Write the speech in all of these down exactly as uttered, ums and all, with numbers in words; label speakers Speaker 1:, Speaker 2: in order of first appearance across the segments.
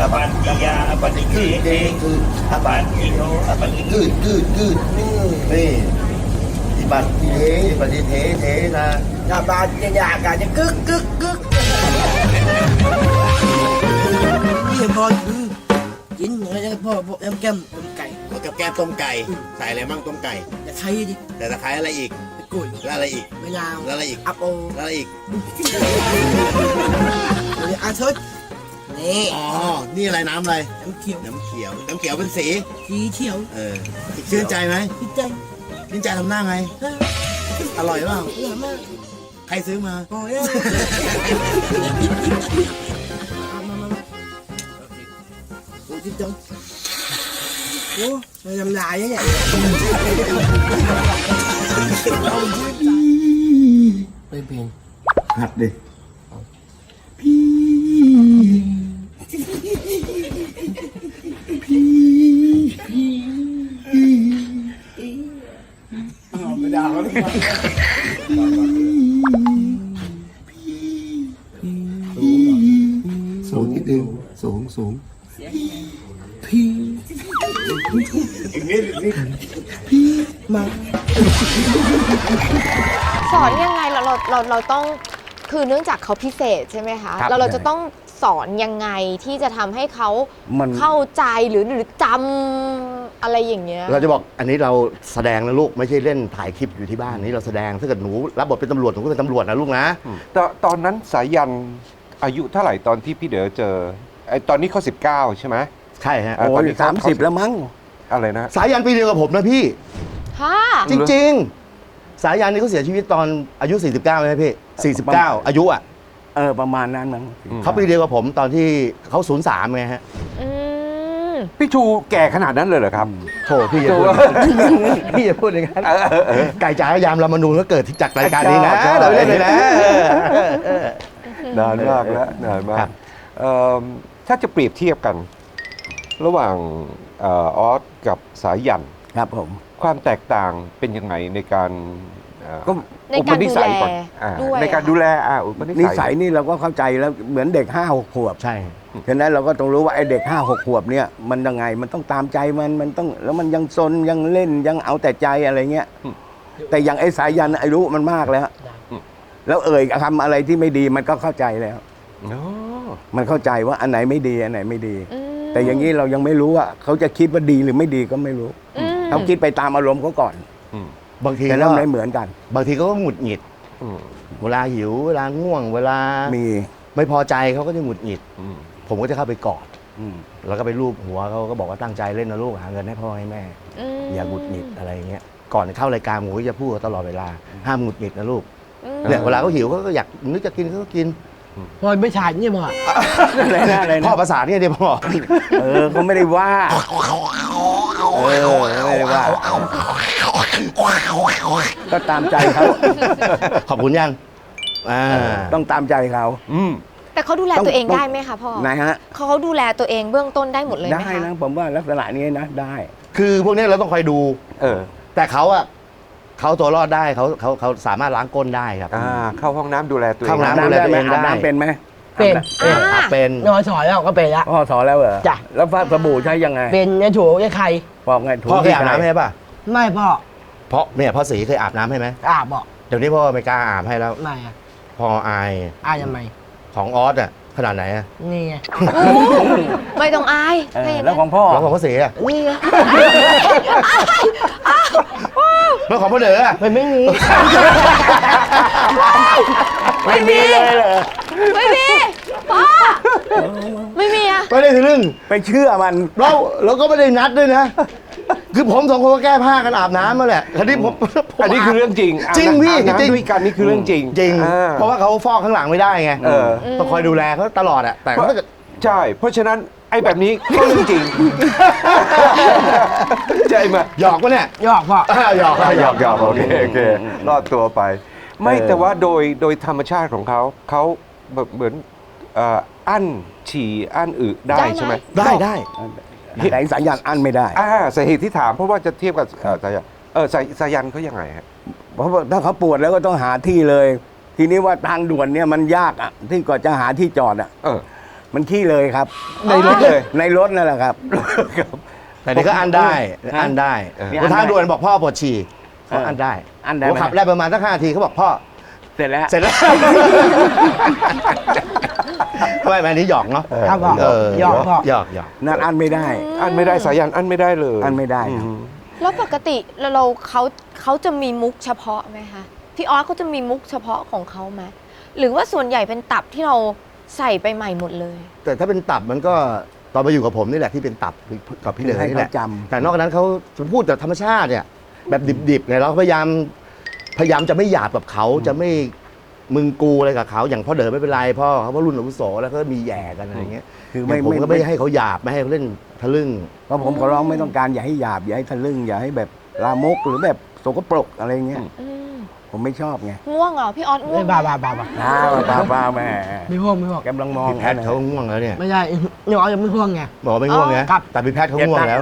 Speaker 1: ปันกิยาอปันกิเตคืออปันกิโยอปันกิกืดกืดกืดนี่อิปันกิเทอิปันกิเทเทนะอปันกิยากาจะกึกกึกกึกนี่พอกินอะไรนะพ่อพ่อแอมแก้มต้มไก่กับแก้มต้มไก่ใส่อะไรมั่งต้มไก่ตะไคร้ดิแต่ตะไคร้อะไรอีกกุ้ยแล้วอะไรอีกมะนาวแล้วอะไรอีกอัปโอแล้วอะไรอีกอาชุดนี่อ๋อนี่อะไรน้ำอะไรน้ำเขียวน้ำเขียวน้ำเขียวเป็นสีสีเขียวเออชื่นใจไหมชื่นใจชื่นใจทำหน้าไงอร่อยเปล่าอร่อยมากใครซื้อมาโอ้ยมามามาโอ้ยจังโอ้ยทำลายเนี่ยไปเพลงหัดดิพี่พี่พี่เอาไปด่าเขาดิสูงนิดนึงสูงสูงพี่อีกนิดนิดพี่มา
Speaker 2: สอนยังไงเราเราเราเราต้องคือเนื่องจากเขาพิเศษใช่ไหมคะเราเราจะต้องสอนยังไงที่จะทำให้เขาเข้าใจหรือหรือจำอะไรอย่างเงี้ย
Speaker 1: เราจะบอกอันนี้เราแสดงนะลูกไม่ใช่เล่นถ่ายคลิปอยู่ที่บ้านนี้เราแสดงถ้าเกิดหนูรับบทเป็นตำรวจหนูก็เป็นตำรวจนะลูกนะ
Speaker 3: ตอนตอนนั้นสายันอายุเท่าไหร่ตอนที่พี่เด๋อเจอไอ้ตอนนี้เขาสิบเก้าใช่ไหม
Speaker 1: ใช่ฮะ
Speaker 3: โอ้ย
Speaker 1: สามสิบแล้วมั้ง
Speaker 3: อะไรนะ
Speaker 1: สายันปีเดียวกับผมนะพี่
Speaker 2: ค่ะ
Speaker 1: จริงๆสายันนี่เขาเสียชีวิตตอนอายุสี่สิบเก้าใช่ไหมพี่สี่สิบเก้าอายุอ่ะ
Speaker 4: เออประมาณนั้นมั้ง
Speaker 1: เขาปีเดียวกับผมตอนที่เขาศูนย์สามไงฮะ
Speaker 3: พี่ชูแก่ขนาดนั้นเลยเหรอครับ
Speaker 1: โถพี่อย่าพูดพี่อย่าพูดอย่างนั้นไก่จ๋ายามรามานูนก็เกิดจากรายการนี้นะเราเล่นเลยนะ
Speaker 3: นานมากแล้วนานมากถ้าจะเปรียบเทียบกันระหว่างออสกับสายัน
Speaker 4: ครับผม
Speaker 3: ความแตกต่างเป็นยังไงในการ
Speaker 2: ในการดูแล
Speaker 3: ในการดูแลอ่า
Speaker 4: นิสัยนี่เราก็เข้าใจแล้วเหมือนเด็กห้าหกขวบ
Speaker 1: ใช่
Speaker 4: ฉะนั้นเราก็ต้องรู้ว่าไอ้เด็กห้าหกขวบเนี่ยมันยังไงมันต้องตามใจมันมันต้องแล้วมันยังซนยังเล่นยังเอาแต่ใจอะไรเงี้ยแต่อย่างไอ้สายันอายุมันมากแล้วแล้วเอ่ยทำอะไรที่ไม่ดีมันก็เข้าใจแล้วมันเข้าใจว่าอันไหนไม่ดีอันไหนไม่ดีแต่อย่างนี้เรายังไม่รู้ว่าเขาจะคิดว่าดีหรือไม่ดีก็ไม่รู้เขาคิดไปตามอารมณ์เขาก่อน
Speaker 1: บางที
Speaker 4: ก็ไม่เหมือนกัน
Speaker 1: บางทีก็หงุดหงิดเวลาหิวเวลาง่วงเวลา
Speaker 4: มี
Speaker 1: ไม่พอใจเขาก็จะหงุดหงิดผมก็จะเข้าไปกอดแล้วก็ไปลูบหัวเขาก็บอกว่าตั้งใจเล่นนะลูกหาเงินให้พ่อให้แม่อย่าหงุดหงิดอะไรเงี้ยก่อนเข้ารายการหมูจะพูดตลอดเวลาห้ามหงุดหงิดนะลูกเนี่ยเวลาเขาหิวเขาก็อยากนึกจะกินเขาก็กิน
Speaker 5: พ่อไม่ฉาดเนี่ยพ่อ
Speaker 4: อะไรนะอะไรนะ
Speaker 1: พ่อภาษาเนี่ยเดี๋ยวพ่อ
Speaker 4: เออเขาไม่ได้ว่าเออไม่ได้ว่าก็ตามใจเขา
Speaker 1: ขอบคุณยัง
Speaker 4: ต้องตามใจเขา
Speaker 2: แต่เขาดูแลตัวเองได้ไหมคะพ่อ
Speaker 4: ไหนฮะ
Speaker 2: เขาดูแลตัวเองเบื้องต้นได้หมดเลยไหมคะ
Speaker 4: ได้นะผมว่าลักษณะนี้นะได้
Speaker 1: คือพวกนี้เราต้องคอยดู
Speaker 3: เออ
Speaker 1: แต่เขาอะเขาตัวรอดได้เขาเขาเขาสามารถล้างก้นได้ครับ
Speaker 3: อ่าเข้าห้องน้ำดูแลตัวเอง
Speaker 1: เข้าห้องน้ำดูแลตัวเองได้
Speaker 4: น้ำเป็นไหม
Speaker 5: เป็น
Speaker 1: เป็น
Speaker 5: นอนสอนแล้วก็เป็นละ
Speaker 4: พ่อสอนแล้วเหรอ
Speaker 5: จ้ะ
Speaker 4: แล้วสบู่ใช้ยังไง
Speaker 5: เป็นเนี่ยถูใช้ใคร
Speaker 4: บอกไง
Speaker 1: พ่อเคยอาบน้ำให้ป่ะ
Speaker 5: ไม่พ่อ
Speaker 1: เพราะเนี่ยพ่อสีเคยอาบน้ำให้ไหม
Speaker 5: อาบบอก
Speaker 1: เดี๋ยวนี้พ่อไม่กล้าอาบให้แล้ว
Speaker 5: ไม่อะ
Speaker 1: พ่ออาย
Speaker 5: อายทำไม
Speaker 1: ของออสอะขนาดไหนอะ
Speaker 5: นี่ไง
Speaker 2: ไม่ต้องอาย
Speaker 4: แล้วของพ่อ
Speaker 1: แล้วของพ่อสีอะ
Speaker 5: นี่ไง
Speaker 1: แล้วของพ่อเด๋ออะ
Speaker 5: ไม่มี
Speaker 2: ไม่มีเลยเหรอไม่มีพ่อไม่มีอะ
Speaker 1: ไม่ได้ทะลึ่ง
Speaker 4: ไปเชื่อมัน
Speaker 1: เราเราก็ไม่ได้นัดด้วยนะคือผมสองคนก็แก้ผ้ากันอาบน้ำมาแหละคราวนี้ผม
Speaker 3: อันนี้คือเรื่องจริง
Speaker 1: จริงพี่
Speaker 3: จริงด้วยกันนี่คือเรื่องจริง
Speaker 1: จริงเพราะว่าเขาฟอกข้างหลังไม่ได้ไงต้องคอยดูแลเขาตลอดอะแต่ถ้าเกิด
Speaker 3: ใช่เพราะฉะนั้นไอ้แบบนี้ก็เรื่องจริงใช่ไหม
Speaker 1: หยอกปะเนี่ย
Speaker 5: หยอกพ่อ
Speaker 1: หยอก
Speaker 3: หยอกหยอกโอเคโอเครอดตัวไปไม่แต่ว่าโดยโดยธรรมชาติของเขาเขาแบบเหมือนอั้นฉี่อั้นอึได้ใช่ไหม
Speaker 1: ได้ได้
Speaker 4: แต่สายันอั้นไม่ได้
Speaker 3: อ่าสาเหตุที่ถามเพราะว่าจะเทียบกับสายันเออสายันเขายังไงฮะ
Speaker 4: เพราะถ้าเขาปวดแล้วก็ต้องหาที่เลย ทีนี้ว่าทางด่วนเนี่ยมันยากอ่ะที่ก่อนจะหาที่จอดอ่ะ
Speaker 3: เออ
Speaker 4: มันขี้เลยครับ
Speaker 3: ในรถเลย
Speaker 4: ในรถนั่นแหละครับ
Speaker 1: แต่นี่ก็อันได้อันได้
Speaker 3: เออ
Speaker 1: บนทางด่วนบอกพ่อปวดฉี่เขาอันได้
Speaker 4: อั้นได้
Speaker 1: ผม
Speaker 4: ไหม
Speaker 1: ขับได้ประมาณสักห้านาทีเขาบอกพ่อ
Speaker 4: เสร็จแล้ว
Speaker 1: เสร็จแล้ว ไม่ไม่อันนี้หยอกเนาะ
Speaker 5: ครับพ่อ
Speaker 1: เออ
Speaker 5: หยอกพ่อ
Speaker 1: หยอกหยอก
Speaker 4: นั่นอันไม่ได้
Speaker 3: อันไม่ได้สายันอันไม่ได้เลย
Speaker 4: อั้นไม่ได้ครับ
Speaker 3: อืม
Speaker 2: แล้วปกติเราเราเขาเขาจะมีมุกเฉพาะไหมคะพี่ออสเขาจะมีมุกเฉพาะของเขาไหมหรือว่าส่วนใหญ่เป็นตับที่เราใส่ไปใหม่หมดเลย
Speaker 1: แต่ถ้าเป็นตับมันก็ตอนมาอยู่กับผมนี่แหละที่เป็นตับกับพี่เหลือ
Speaker 4: ให้
Speaker 1: นี่
Speaker 4: เขา
Speaker 1: แหละ
Speaker 4: จำ
Speaker 1: แต่นอกจากนั้นเขาพูดแต่ธรรมชาติเนี่ยแบบดิบๆไงเราพยายามพยายามจะไม่หยาบกับเขาจะไม่มึงกูอะไรกับเขาอย่างพ่อเด๋อไม่เป็นไรพ่อเขาเพราะรุ่นอาวุโสแล้วก็มีแหย่กันอะไรเงี้ย
Speaker 4: คือ
Speaker 1: ไม่
Speaker 4: ไม่
Speaker 1: ผม
Speaker 4: ไม่
Speaker 1: ก็ไม่ให้เขาหยาบไม่ให้เขาเล่นทะลึ่ง
Speaker 4: เพราะผมขอร้องไม่ต้องการอย่าให้หยาบอย่าให้ทะลึ่งอย่าให้แบบลามกหรือแบบสกปรกอะไรเงี้ย
Speaker 2: อืม
Speaker 4: ผมไม่ชอบไง
Speaker 2: ง่วงเหรอพี่ออสง่ว
Speaker 5: ไม่
Speaker 2: ง
Speaker 5: บ้าบ้าบ้าบ้า
Speaker 4: อ้าวป้าป้าแม่
Speaker 5: ไม่ห่วงไม่ห่วง
Speaker 4: กำลังมอง
Speaker 1: พี่แพทย์เขาง่วงแล้วเนี่ย
Speaker 5: ไม่ใช่นี่อ๋อยังไม่ห่วงไง
Speaker 1: บอกว่าไม่ง่วงนะครับ แต่พี่แพทย์เขาง่วงแล้ว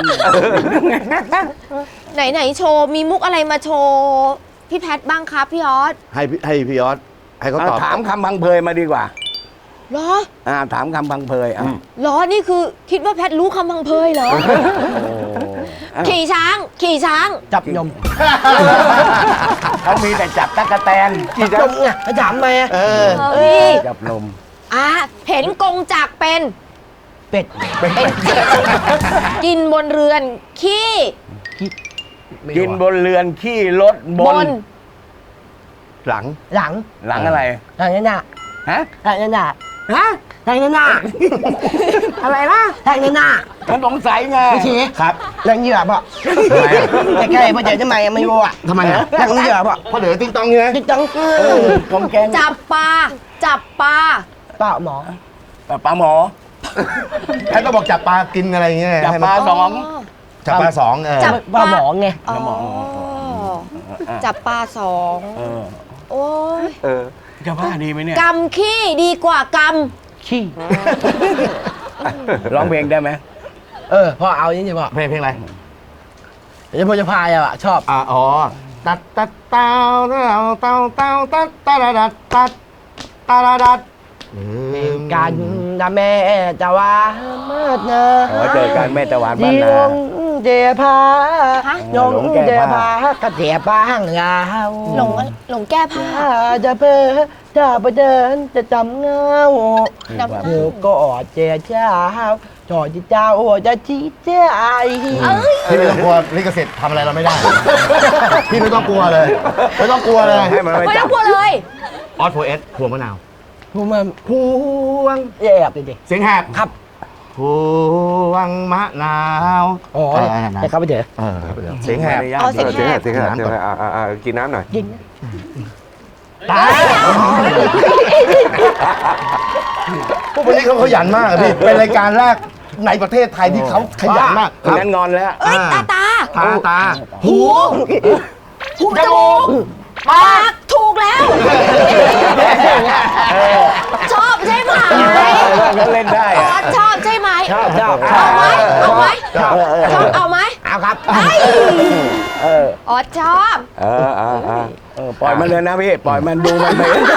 Speaker 2: ไหนไหนโชว์มีมุกอะไรมาโชว์พี่แพทบ้างครับพี่ออส
Speaker 1: ให้พี่ให้พี่ยอดให้เขาตอบ
Speaker 4: ถามคำพังเพยมาดีกว่า
Speaker 2: เหรอ
Speaker 4: อ่าถามคำพังเพยอ่ะ
Speaker 2: เหรอนี่คือคิดว่าแพทรู้คำพังเพยเหรอ ขี่ช้าง ขี่ช้าง
Speaker 5: จับยม
Speaker 4: เขามีแต่จับตั๊กแตน
Speaker 5: จับยมไงไปถามไหม
Speaker 1: เออ
Speaker 2: เฮ้ย
Speaker 4: จับนม
Speaker 2: อ่ะเห็นกงจักรเป็น
Speaker 5: เป็ด
Speaker 2: เป็นกินบนเรือน ขี้
Speaker 4: กินบนเรือนขี้รถบบ น
Speaker 2: น
Speaker 1: หลัง
Speaker 5: หลัง
Speaker 4: หลังอะไร
Speaker 5: หลังนั่นน่ะ
Speaker 4: ฮะ
Speaker 5: หลังนั่นน่ะฮะหลังนั่นน่ะอะไรนะหลังนั่นน่ะ
Speaker 4: มันสงสัยไง
Speaker 5: ไม่ชี้
Speaker 1: ครับ
Speaker 5: หลังเหยื่อป่ะแต่ใกล้ๆพ่อเจ๋อทำไมไม่รู้อ่ะ
Speaker 1: ทำไมอ่ะ
Speaker 5: หลังเหยื่อป่ะ
Speaker 1: พ่อเด๋อติ๊งตองใช่ไหม
Speaker 5: จิ๊กจัง
Speaker 4: ผมแกง
Speaker 2: จับปลา จับปลา
Speaker 5: เปล่าหมอ
Speaker 4: ปลาหมอ
Speaker 1: แพทย์ก็บอกจับปลากินอะไรเงี้ย
Speaker 4: จับ
Speaker 1: ให้มัน
Speaker 4: ปลาสอง
Speaker 1: จับปลาสองเออ
Speaker 2: จับ
Speaker 5: เปล่าหมอไง
Speaker 2: อ๋อจับปลาสอง
Speaker 4: เออ
Speaker 2: โอ้ย
Speaker 3: เออ
Speaker 4: จะว่าดีไหมเนี่ย
Speaker 2: กำขี้ดีกว่าก
Speaker 5: ขี้
Speaker 4: ร้องเพลงได้ไหม
Speaker 5: เออพ่อเอาอย่างนี้พ่อ
Speaker 1: เพลงเพลงอะไร
Speaker 5: เดี๋ยวพ่อจะพายอ่ะชอบ
Speaker 1: อ่าอ๋อตัดตัดเต้าเต้าเต้าเต้าตัดตาดาดัดตัดตาดาดัด
Speaker 5: กันนะแม่จะว่ามาดนะ
Speaker 4: อ๋อเจอกันแม่ตะวันบ้าน
Speaker 5: จี
Speaker 4: นา
Speaker 5: ลงเดียพา
Speaker 2: ฮะ
Speaker 5: ยงเดียพากระเจียบ้างยาว
Speaker 2: ำหลงหลงแก้ผ้า
Speaker 5: ถ้าจะเพ้อจะไปเดินจะจำเงา
Speaker 2: ดำ
Speaker 5: เดี๋ยวก็อดเจียเจ้าจอดที่เจ้าจะชี้ใจ
Speaker 1: พี่ไม่ต้องกลัวลิขสิทธิ์ทำอะไรเราไม่ได้ พี่ไม่ต้องกลัวเลยไม่ต้องกลัวเลย
Speaker 4: ให้มันไม่
Speaker 2: ไม่
Speaker 4: จั
Speaker 2: ต้อบ งกลัวเลย
Speaker 1: ออสโฟเอสพวงมะนาว
Speaker 5: พูดมา
Speaker 1: พวง
Speaker 5: แอบดิดิ
Speaker 1: เสียงแหบ
Speaker 5: ครับ
Speaker 1: พวงมะนาว
Speaker 5: อ๋อ
Speaker 1: เออนั่น
Speaker 5: แต่
Speaker 1: ๆ
Speaker 5: เขาไปเจอ
Speaker 1: เออเสียงแหบ
Speaker 2: อ๋อเสี
Speaker 3: เอย
Speaker 2: ง
Speaker 3: อเสียงแหบเสียงแหบเสียงแหบอ่าอ่าอ่ากินน้ำหน่อย
Speaker 5: ยิง
Speaker 1: ตายพวกวันนี้เขาขยันมากอะพี่ เป็นรายการแรกในประเทศไทยที่เขาขยันมาก
Speaker 4: คนนั้นงอนแล้ว
Speaker 2: เอ้ยตาตา
Speaker 1: ตาตา
Speaker 2: หูหูจมูกปากถูกแล้ว ชอบใช่ไหม
Speaker 4: ก็เล่นได้
Speaker 2: อ
Speaker 4: อะ
Speaker 2: อสชอบใช่ไหม
Speaker 5: ชอบชอบ
Speaker 2: เอาไหมเอาไหม
Speaker 1: ชอบ
Speaker 2: ชอบเอาไหม
Speaker 5: เอาครับ
Speaker 2: เอ้ย
Speaker 4: เออ
Speaker 2: ออสชอบ
Speaker 3: เอออ่าอ่า
Speaker 4: เออปล่อยมันเลยนะพี่ ปล่อยมันดูมันไป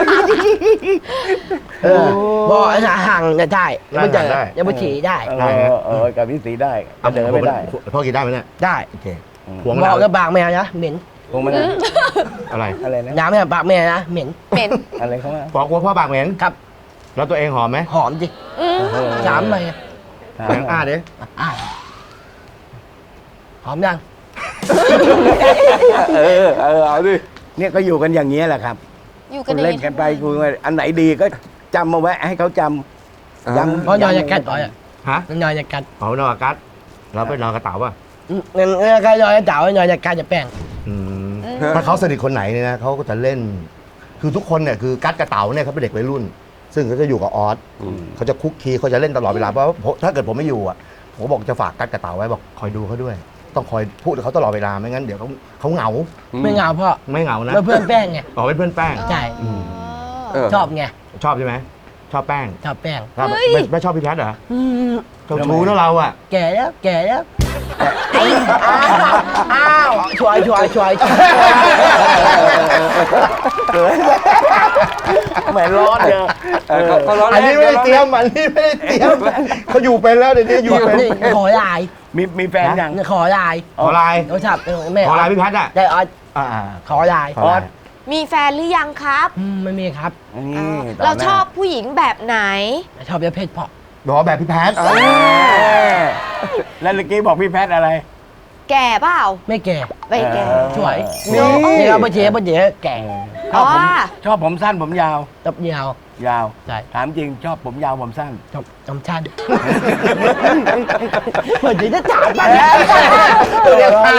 Speaker 5: เออบอกไอ้ห่างจะได้ยังไม่เจอ
Speaker 1: ได้
Speaker 5: ยังไม่ฉี่ได้
Speaker 4: เออเออกับพี่สีได้ก็เดินไม่ได้
Speaker 1: พ่อกินได้ไหมเนี่ย
Speaker 5: ได้
Speaker 1: โอเคพวงมะ
Speaker 5: บ
Speaker 1: นา
Speaker 5: อ
Speaker 1: ว
Speaker 5: กแล้วปากแมวนะเหม็น
Speaker 4: พวงมัน
Speaker 1: อะไร
Speaker 4: อะไรนะ
Speaker 5: น้ำไม่ปากแมวนะเหม็น
Speaker 2: เหม็น
Speaker 4: อะไรเขาว่า
Speaker 1: บอกว่าพ่อปากเหม็น
Speaker 5: ครับ
Speaker 1: แล้วตัวเองหอมไหม
Speaker 5: หอมจิ
Speaker 2: อืม
Speaker 5: ถามไป
Speaker 1: แหงอ้าเด้
Speaker 5: อ่ะหอมยัง
Speaker 3: เออเออเอาดิ
Speaker 4: เนี่ยก็อยู่กันอย่างนี้ยแหละครับ
Speaker 2: อยู่กั
Speaker 4: คุ
Speaker 2: น
Speaker 4: ณ
Speaker 2: อย่าง
Speaker 4: เล่นกันไปคุยกันอันไหนดีก็จำมาไว้ให้เขาจำย้ำ
Speaker 5: เพราะนอนจะกัดต่อยอ่ะ
Speaker 1: ฮะ
Speaker 5: นอนจะกัด
Speaker 1: หอมนอนกับกัดเราไปนอนกระเต๋าป่ะ
Speaker 5: งั้นก็นอนจะเจ๋านอนจะกัดจะแป้ง
Speaker 1: อืมถ้าเขาสนิทคนไหนเนี่ยนะเขาก็จะเล่น คือทุกคนเนี่ยคือกัดกระเต๋าเนี่ยเขาเป็นเด็กวัยรุ่น ซึ่งเขาจะอยู่กับออสเขาจะคุกคีเขาจะเล่นตลอดเวลาเพราะว่าถ้าเกิดผมไม่อยู่อ่ะผมบอกจะฝากกัดกระเต๋าไว้บอกคอยดูเขาด้วย ต้องคอยพูดกับเขาตลอดเวลาไม่งั้นเดี๋ยวเขาเขาเหงา
Speaker 5: ไม่เหงาพ่อ
Speaker 1: ไม่เหงานะ
Speaker 5: เพื่อนแป้งไง
Speaker 1: อ๋อเป็นเพื่อนแป้ง
Speaker 5: ใช่
Speaker 3: เออ
Speaker 5: ชอบไง
Speaker 1: ชอบใช่ไหมชอบแป้ง
Speaker 5: ชอบแป้ง
Speaker 1: ครับไม่ไม่ชอบพี่แพทย์เหรอ
Speaker 5: อืม
Speaker 1: เจ้าชู้นะเราอ่ะ
Speaker 5: แก่แล้วแก่แล้วอ้าวช่วยช่วยช่วยช่วย
Speaker 4: เหมือนร้อนเลย
Speaker 3: เออเขาเขาล้อ
Speaker 1: อัน
Speaker 3: เล่
Speaker 1: นี้
Speaker 3: น
Speaker 1: ไม่ได้
Speaker 3: ขาล้อ
Speaker 1: เตรี
Speaker 3: ล่
Speaker 1: ย
Speaker 3: น
Speaker 1: มอันนี้ไม่ได้เตรียมเขาอยู่เป็นแล้วเดี๋ยวนี้อยู่เป็น
Speaker 5: นี่ขอลาย
Speaker 4: มีมีแฟนยัง
Speaker 5: ขอลาย
Speaker 1: ขอไลน์
Speaker 5: โทรศัพท์แม่
Speaker 1: ขอไลน์พี่พัดอ่ะ
Speaker 5: ได้ออส
Speaker 1: อ่า
Speaker 5: ขอลาย
Speaker 1: ขอไลน์
Speaker 2: มีแฟนหรือยังครับ
Speaker 5: อืมไม่มีครับ
Speaker 4: นี่ต่อ
Speaker 2: เรา
Speaker 4: หน้
Speaker 2: ชอบผู้หญิงแบบไหน
Speaker 5: ชอบเยอะเพศพอ
Speaker 1: บอกว่าแบบพี่แพท
Speaker 4: เออแล้วเมื่อกี้บอกพี่แพทย์อะไร
Speaker 2: แก่เปล่า
Speaker 5: ไม่แก่
Speaker 2: ไม่แก่
Speaker 4: เออ
Speaker 5: สวย
Speaker 4: นี่
Speaker 5: นี่เราไปเจ๊ไปเจ๊แก่
Speaker 4: ชอบผม
Speaker 2: อ๋อ
Speaker 4: ชอบผมสั้นผมยาว
Speaker 5: ตับยาว
Speaker 4: ยาว
Speaker 5: ใช่
Speaker 4: ถามจริงชอบผมยาวผมสั้น
Speaker 5: จบจำชันเหมือนจะถามไป
Speaker 1: เรียกพา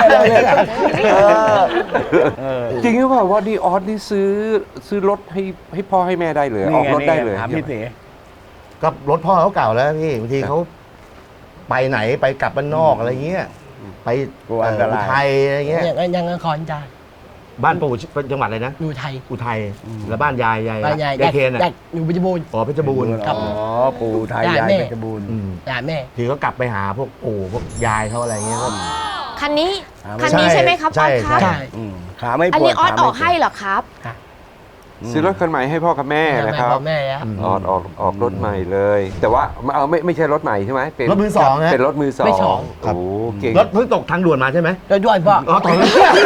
Speaker 3: จริงหรือเปล่าว่าดีออสนี่ซื้อซื้อรถให้ให้พ่อให้แม่ได้เลย ออกรถได้เลย
Speaker 4: ถามพี่เส
Speaker 1: ก็รถพ่อเขาเก่าแล้วพี่บางทีเขาไปไหนไปกลับบ้านนอกอะไรเงี้ยไป
Speaker 4: กลัว
Speaker 1: เอ่
Speaker 4: อันต
Speaker 1: ออุ
Speaker 4: ราย
Speaker 1: ทัยอะไรเงี้ย
Speaker 5: ยังยังนครจ้า
Speaker 1: บ้านปู่เป็นจังหวัดอะไรนะ
Speaker 5: อยู่ไทย
Speaker 1: อุทัยแล้วบ้านยายยาย
Speaker 5: บ้านใหญ่
Speaker 1: ยายเคนอ่ะ
Speaker 5: แดกอยู่เพชรบูรณ์
Speaker 1: อ๋อเพชรบูรณ์
Speaker 5: ครับ
Speaker 4: อ๋อปู่ไทย
Speaker 5: ได้
Speaker 4: ยาย
Speaker 5: แม่
Speaker 4: เพชรบูรณ์
Speaker 1: อืม
Speaker 5: ด่าแม่
Speaker 1: ทีเขากลับไปหาพวกปู่พวกยายเขาอะไรเงี้ยก็
Speaker 2: คันนี้
Speaker 4: อ่า
Speaker 2: คันนี้ใช่ไหมครับอ
Speaker 1: ใช่
Speaker 2: อสครับ
Speaker 1: ใช่
Speaker 4: อืมขาไม่
Speaker 2: อัน
Speaker 4: ปวด
Speaker 2: นี้ออส
Speaker 4: ขา
Speaker 2: อ
Speaker 4: ไม่
Speaker 2: อกให้เหรอครับ
Speaker 3: ซื้อรถคันใหม่ให้พ่อกับแม่นะครับ
Speaker 5: พ่อแม่แล้ว
Speaker 3: ออกออกออกรถใหม่เลย แต่ว่าเอาไม่ไม่ใช่รถใหม่ใช่ไหมเป็น
Speaker 1: รถมือสองฮะ
Speaker 3: เป็นรถมือสอง
Speaker 5: ไม่สอง
Speaker 3: โอ้โหเก่ง
Speaker 1: รถเพิ่งตกทางด่วนมาใช่ไหม
Speaker 5: แล้วด้วยพ่อ
Speaker 1: อ๋อตก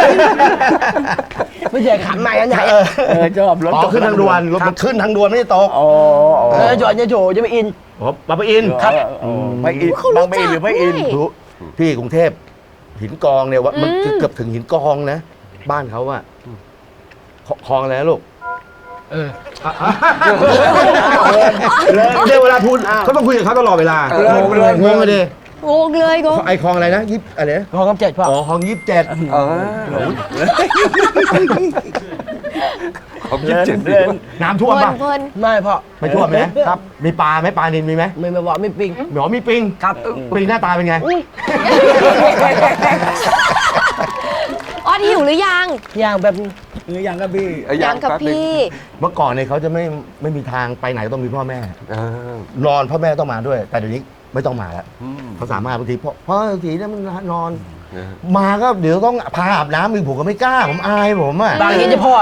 Speaker 5: ไม่ใช่ขันใหม่อันไหน
Speaker 1: เออ
Speaker 4: เออชอบรถ
Speaker 1: อ๋อขึ้นทางด่วนรถมันขึ้นทางด่วนไม่ได้ตก
Speaker 4: อ๋ออ๋อ
Speaker 5: เออจอดเนี่ยโถจะไปอิน
Speaker 1: อ๋อบางปะอิน
Speaker 4: ครับพระอินทร์
Speaker 2: เขารู้
Speaker 4: บางปะอินทร์หรือพระอินทร์
Speaker 2: จักด้วย
Speaker 1: รู้พี่กรุงเทพหินกองเนี่ยว่ามัน
Speaker 2: อืม
Speaker 1: เกือบถึงหินกองนะ บ้านเขาอะคคลองอะไรนะลูก
Speaker 5: เออ
Speaker 1: เดี๋ยวเวลาพูดเขาต้องคุยกับเขาตลอดเวลา
Speaker 3: เออ
Speaker 1: งงเลยงงเลยดิ
Speaker 2: งงเลยงง
Speaker 1: ไอคลองอะไรนะยิบอะไรนะ
Speaker 5: พอคำเจ็ดพ่อ
Speaker 1: อ๋อคลองยิบเจ็ด
Speaker 3: เออผมยี่สิบเจ็ดปี
Speaker 1: น้ำ
Speaker 2: เพ
Speaker 1: ท่วม
Speaker 2: ลิน
Speaker 1: ป่ะ
Speaker 2: เพลิน
Speaker 5: ไม่พ่อ
Speaker 1: ไม่ท่วมนะครับ มีปลาไหมปลานินมีไหม
Speaker 5: ไม่ไม่บอกไม่ปิง
Speaker 1: หมอมีปิง
Speaker 5: ครับ
Speaker 1: ปิงหน้าตาเป็นไง
Speaker 2: ออสหิวหรือยัง
Speaker 5: อย่างแบบ
Speaker 4: หรือยังครับพี่
Speaker 3: เอ้
Speaker 2: ยังกับ
Speaker 3: แป๊หนึ่ง
Speaker 2: พี่
Speaker 1: เมื่อก่อนเนี่ยเขาจะไม่ไม่มีทางไปไหนต้องมีพ่อแม่
Speaker 3: เออน
Speaker 1: อนพ่อแม่ต้องมาด้วย แต่เดี๋ยวนี้ไม่ต้องมาแล้ว
Speaker 3: อืม
Speaker 1: เขาสามารถบางทีพ่อพ่อบางทีเนี่ยมันนอน
Speaker 3: นะฮะ
Speaker 1: มาก็เดี๋ยวต้องพาอาบน้ำอีกผมก็ไม่กล้าผมอายผมอ่ะ
Speaker 5: บางทีจะพ่ออะ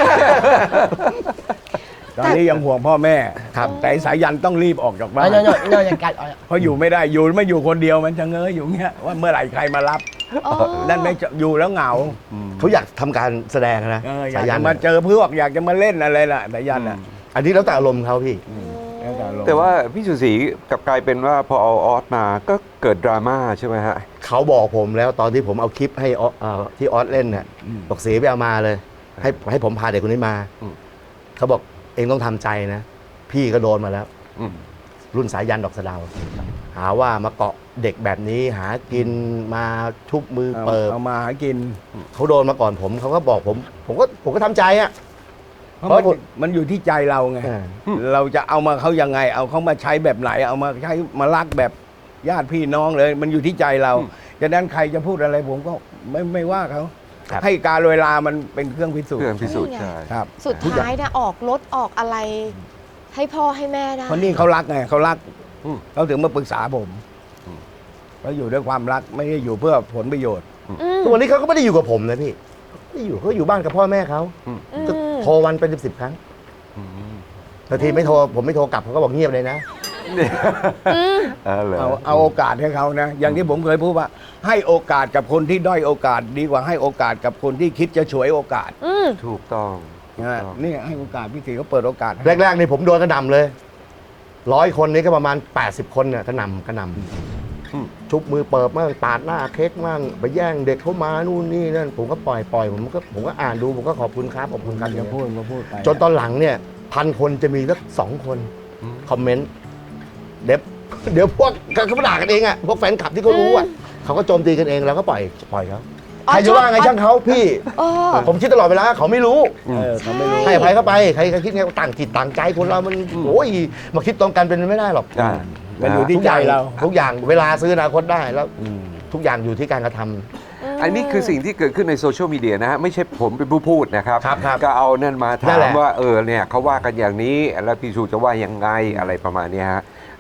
Speaker 4: ตอนนี้ยังห่วงพ่อแม่
Speaker 1: ครับ
Speaker 4: แต่ไอ้สายยันต้องรีบออกจากบ้า
Speaker 5: เอา
Speaker 4: น
Speaker 5: เนาะเนาะเนาะอย่างกัดเอา
Speaker 4: เพราะอยู่ไม่ได้อยู่ไม่อยู่คนเดียวมันจะเง้ออยู่เงี้ยว่าเมื่อไหร่ใครมารับ
Speaker 2: อ๋อ
Speaker 4: นั่นไม่จะอยู่แล้วเหงา
Speaker 1: เขาอยากทำการแสดงนะ
Speaker 4: เอออยา
Speaker 1: สาก ยั
Speaker 4: จะ
Speaker 1: น
Speaker 4: มาเจอเพื่อนอยากจะมาเล่นอะไรล่ะสายยันอ่ะ
Speaker 1: อันนี้แล้วแต่อารมณ์เขาพี่
Speaker 4: แล้วแต่อารมณ์
Speaker 3: แต่ว่าพี่สุศรีกลับกลายเป็นว่าพอเอาออสมาก็เกิดดราม่าใช่ไหมฮะ
Speaker 1: เขาบอกผมแล้วตอนที่ผมเอาคลิปให้ออเอ่อที่ออสเล่นเนี่ยบอกเสียไปเอามาเลย ให้ให้ผมพาเด็กคนนี้มา
Speaker 3: อืม
Speaker 1: เขาบอกเองต้องทำใจนะ พี่ก็โดนมาแล้ว
Speaker 3: อืม
Speaker 1: รุ่นสายยันดอกสะเดาวหาว่ามาเกาะเด็กแบบนี้หากินมาทุบมือ
Speaker 4: เอา
Speaker 1: เปิด
Speaker 4: เอามาหากิน
Speaker 1: เขาโดนมาก่อนผมเขาก็บอกผม ผมก็ผมก็ทำใจอ่ะ
Speaker 4: เพราะมัน
Speaker 1: เพราะ
Speaker 4: มันอยู่ที่ใจเราไง
Speaker 1: อ่า
Speaker 4: เราจะเอามาเขายังไง เอาเขามาใช้แบบไหน เอามาใช้มารักแบบญาติพี่น้องเลย มันอยู่ที่ใจเราฉะนั้นใครจะพูดอะไรผมก็ไม่ไม่ว่าเขา
Speaker 1: ครับ
Speaker 4: ให้การเวลามันเป็นเครื่องพิสูจ
Speaker 3: เพื่อน
Speaker 4: น์
Speaker 3: พิสูจน์
Speaker 2: นี่ไง
Speaker 3: ใช่
Speaker 4: ครับ
Speaker 2: สุดท้ายนะออกรถออกอะไร ให้พ่อให้แม่ได้
Speaker 4: เพราะนี่เขารักไงเขารัก
Speaker 3: อืม
Speaker 4: เขาถึงมาปรึกษาผม
Speaker 3: อืม
Speaker 4: เขาอยู่ด้วยความรักไม่ได้อยู่เพื่อผลประโยชน์
Speaker 2: อืม
Speaker 1: ทุกวันนี้เขาก็ไม่ได้อยู่กับผมนะพี่ไม่อยู่เขาอยู่บ้านกับพ่อแม่เขา
Speaker 2: อืม
Speaker 1: ก็โทรวันเป็นสิบสิบครั้ง
Speaker 3: อืม
Speaker 1: บางทีไม่โทรผมไม่โทรกลับเขาก็บอกเงียบเลยนะ
Speaker 2: อืม
Speaker 3: เออเหรอ
Speaker 4: เอาเอาโอกาสให้เขานะ อย่างที่ผมเคยพูดว่า ให้โอกาสกับคนที่ด้อยโอกาส ดีกว่าให้โอกาสกับคนที่คิดจะฉวยโอกาส
Speaker 2: อืม
Speaker 3: ถูกต้องถูก
Speaker 4: นะ
Speaker 3: ต้อง
Speaker 4: นี่ให้โอกาสพี่ตีเขาเปิดโอกาสให้
Speaker 1: แรกๆนี่ผมโดนกระหน่ำเลยร้อยคนนี้ก็ประมาณ แปดสิบ คนเนี่ยกระหน่ำกระหน่ำชุบมือเปิบมั่งปาดหน้าเค้กมั่งไปแย่งเด็กเขามานู่นนี่นั่นผมก็ปล่อยปล่อยผมก็ผมก็อ่านดูผมก็ขอบคุณครับขอบคุณครับ
Speaker 4: อย่าพูดมาพูดไป
Speaker 1: จนตอนหลังเนี่ยพันคนจะมีสักสองคน
Speaker 3: อืม
Speaker 1: คอมเมนต์เดี๋ยวเดี๋ยวพวกเขาด่ากันเองอ่ะพวกแฟนคลับที่เขารู้อ่ะเขาก็โจมตีกันเองเราก็ปล่อยปล่อยเขา
Speaker 2: อ๋อ
Speaker 1: ใครจะว่าไง
Speaker 2: ชอบ
Speaker 1: ช่างเขาพี่
Speaker 2: เออ
Speaker 1: ผมคิดตลอดเวลาเขาไม่รู้
Speaker 4: เออเขาไม่รู้
Speaker 1: ให้อภัยเข้าไปใครก็คิดไงต่างจิตต่างใจคนเรามันโอ้ยมาคิดตรงกันเป็นไปไม่ได้หรอก
Speaker 3: อ่า
Speaker 4: มันอยู่ที่
Speaker 1: ทุกอย่าง
Speaker 4: ใจเรา
Speaker 1: ทุกอย่างเวลาซื้ออนาคตได้แล้วทุกอย่างอยู่ที่การกระทำ
Speaker 3: อันนี้คือสิ่งที่เกิดขึ้นในโซเชียลมีเดียนะฮะไม่ใช่ผมเป็นผู้พูดนะครับ
Speaker 1: ครับครับ
Speaker 3: ก็เอานั่นมา
Speaker 1: นั่
Speaker 3: ถาน
Speaker 1: แห
Speaker 3: ม
Speaker 1: ละ
Speaker 3: ว่าเออเนี่ยเขาว่ากันอย่างนี้แล้วพี่ชูจะว่ายังไงอะไรประมาณเนี้ยฮะ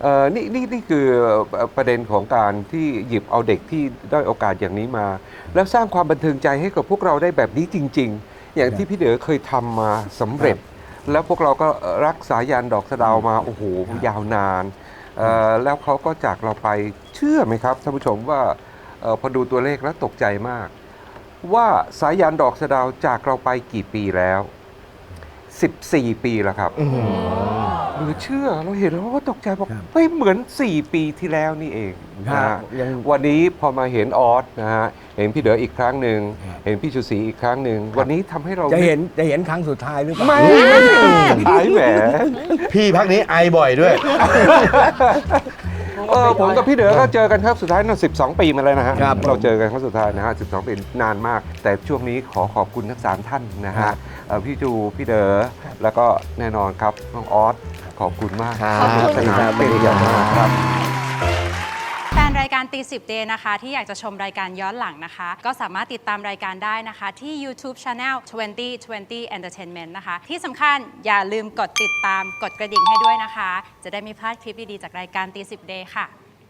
Speaker 3: เอ่อนี่นี่นี่คือประเด็นของการที่หยิบเอาเด็กที่ด้อยโอกาสอย่างนี้มา แล้วสร้างความบันเทิงใจให้กับพวกเราได้แบบนี้จริง ๆ อย่างที่พี่เด๋อเคยทำมาสำเร็จ แล้วพวกเราก็รักสายันดอกสะเดาวมาโอ้โหยาวนานเอ่อแล้วเขาก็จากเราไปเชื่อไหมครับท่านผู้ชมว่าเอ่อพอดูตัวเลขแล้วตกใจมาก ว่าสายันดอกสะเดาวจากเราไปกี่ปีแล้ว สิบสี่ ปีแล้วครับเหรือเชื่อเราเห็นแล้วก็ตกใจบอก
Speaker 4: ครับ
Speaker 3: เฮ้ยเหมือน สี่ ปีที่แล้วนี่เองนะ
Speaker 4: ครั
Speaker 3: ฮะ
Speaker 4: บยัง
Speaker 3: วันนี้พอมาเห็นออสนะฮะเห็นพี่เด๋ออีกครั้งหนึ่ง
Speaker 4: ครับ
Speaker 3: เห็นพี่ชูศรีอีกครั้งหนึ่งวันนี้ทำให้เรา
Speaker 4: จะเห็นจะเห็นครั้งสุดท้ายหรือเปล่า
Speaker 3: ไม่ไม่ใช่หายแหม
Speaker 1: พี่พักนี้ไอบ่อยด้วย
Speaker 3: เออผมกับพี่เด๋อก็เจอกันครับสุดท้ายน่ะสิบสอง ปีมาแล้วนะฮะ
Speaker 4: ครับ
Speaker 3: เราเจอกันครั้งสุดท้ายนะฮะสิบสอง ปีนานมาก แต่ช่วงนี้ขอขอบคุณทั้งสามท่านนะ
Speaker 4: ครั
Speaker 3: ฮะ
Speaker 4: บ
Speaker 3: เอ่อพี่จูพี่เด๋อแล้วก็แน่นอนครับน้องออสขอบคุณมาก
Speaker 1: ครับ
Speaker 2: ขอบคุณ
Speaker 3: สนาม
Speaker 2: ค่ะ
Speaker 3: เป็นอย่างมากครับ
Speaker 6: แฟนรายการตีสิบเดย์นะคะ ที่อยากจะชมรายการย้อนหลังนะคะ ก็สามารถติดตามรายการได้นะคะ ที่ YouTube Channel ทเวนตี้ ทเวนตี้ Entertainment นะคะ ที่สำคัญอย่าลืมกดติดตามกดกระดิ่งให้ด้วยนะคะ จะได้ไม่พลาดคลิปดี ๆ จากรายการตีสิบเดย์ค่ะ